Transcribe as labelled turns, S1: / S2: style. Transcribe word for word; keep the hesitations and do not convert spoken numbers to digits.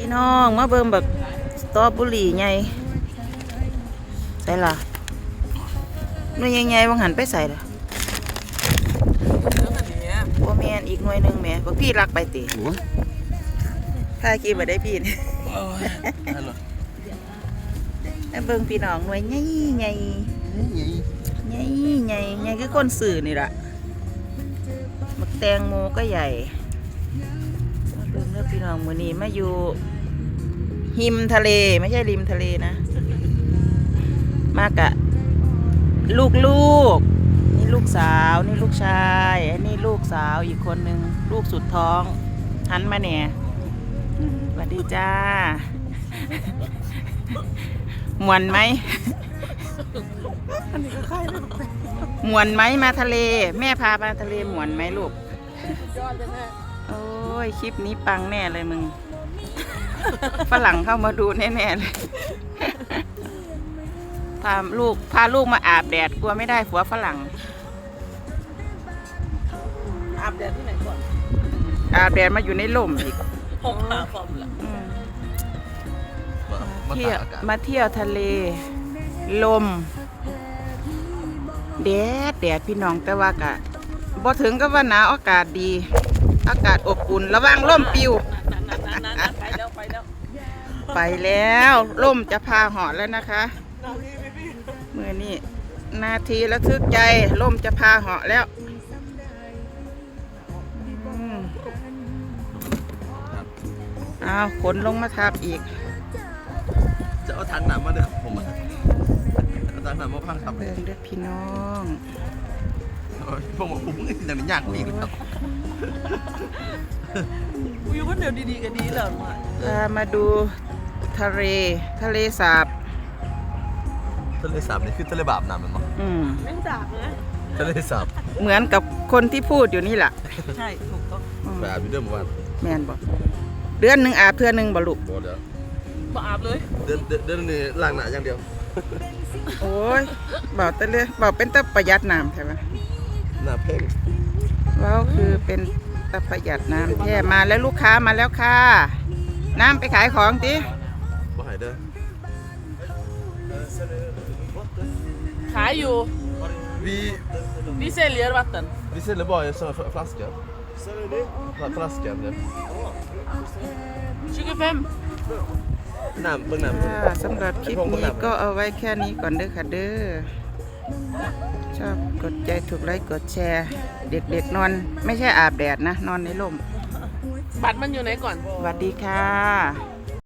S1: พี่น้องมาเบิ่งแบบสตรอเบอรี่ไงใส่ละหน่วยใหญ่ๆบางหันไปใส่ละบัวแมนอีกหน่วยหนึ่งแม่บอกพี่รักไปติถ้ากินมาได้พี่นี่แล้วเบิ่งพี่น้องหน่วยใหญ่ใหญ่ใหญ่ใหญ่ใหญ่คือคนสื่อนี่แหละบักแตงโมก็ใหญ่มาเบิ่งเลือกพี่น้องมื้อนี้มาอยู่หิมทะเลไม่ใช่ริมทะเลนะมากะลูกๆนี่ลูกสาวนี่ลูกชายอันนี้ลูกสาวอีกคนนึงลูกสุดท้องหันมาเนี่ยสวัสดีจ้ามวนไหมมวนไหมมาทะเลแม่พามาทะเลมวนไหมลูกโอ้ยคลิปนี้ปังแน่เลยมึงฝรั่งเข้ามาดูแน่ๆเลยพาลูกพาลูกมาอาบแดดกลัวไม่ได้ผัวฝรั่ง
S2: อาบแดดที่ไหนก่อน
S1: อาบแดดมาอยู่ในร่มอีก
S2: ผมหาความละ
S1: เที่ยวมาเที่ยวทะเลลมแดดแดดพี่น้องแต่ว่ากะบ่ถึงก็ว่าหนาวอากาศดีอากาศอบอุ่นระวังล่มปิว
S2: ไปแล้วไปแล้ว
S1: ไปแล้วล่มจะพาเหาะแล้วนะคะเมื่อนี้นาทีระทึกใจล่มจะพาเหาะแล้วอ้าวขนลงมาทับอีก
S3: จะเอาถังน้ำมาเด้อผมอ่ะเอาถังน้ำมาพังทับ
S1: เบิ่งเด้อพี่น้อง
S3: ผมบอกผมนี่อย่างนี้ยากกว่าอีกแล้ว
S2: อยู่คนเดียวดีๆกันดีเหรอ
S1: พามาดูทะเลทะเลสาบ
S3: ทะเลสาบนี่คือทะเลบาปน้ำมันมั้ง
S1: อืม
S2: ไม่สาบนะ
S3: ทะเลสาบ
S1: เหมือนกับคนที่พูดอยู่นี่แหละ
S2: ใช่ถูกต้อง
S3: ไปอาบอยู่เดิมวัน
S1: แม่นบอกเดือนหนึ่งอาบเทื่อหนึ่งบ่ลูก
S3: บ่เดี๋ยว
S2: บ่อาบเลย
S3: เดือนเดือนนี้ล้างหน้าอย่างเดียว
S1: โอ้ยบอกแต่เลยบอกเป็นตะประหยัดน้ำใช่ไหม
S3: หน้าเพ่ง
S1: ว้าวคือเป็นตะประหยัดน้ำแท้มาแล้วลูกค้ามาแล้วค่ะน้ำไปขายของจิ
S3: บ่หายเด้อ
S2: ขายอยู่
S3: วี
S2: วีเซเลียร์วัตตัน
S3: วีเซเลียร์บอยså flaska flaska det
S2: ชิคกี้พาย
S3: น้ำเบิ่งน้
S1: ำสำหรับคลิปนี้ก็เอาไว้แค่นี้ก่อนเด้อค่ะเด้อชอบกดใจถูกไลค์กดแชร์เด็กๆนอนไม่ใช่อาบแดดนะนอนในร่ม
S2: บัตรมันอยู่ไหนก่อน
S1: สวัสดีค่ะ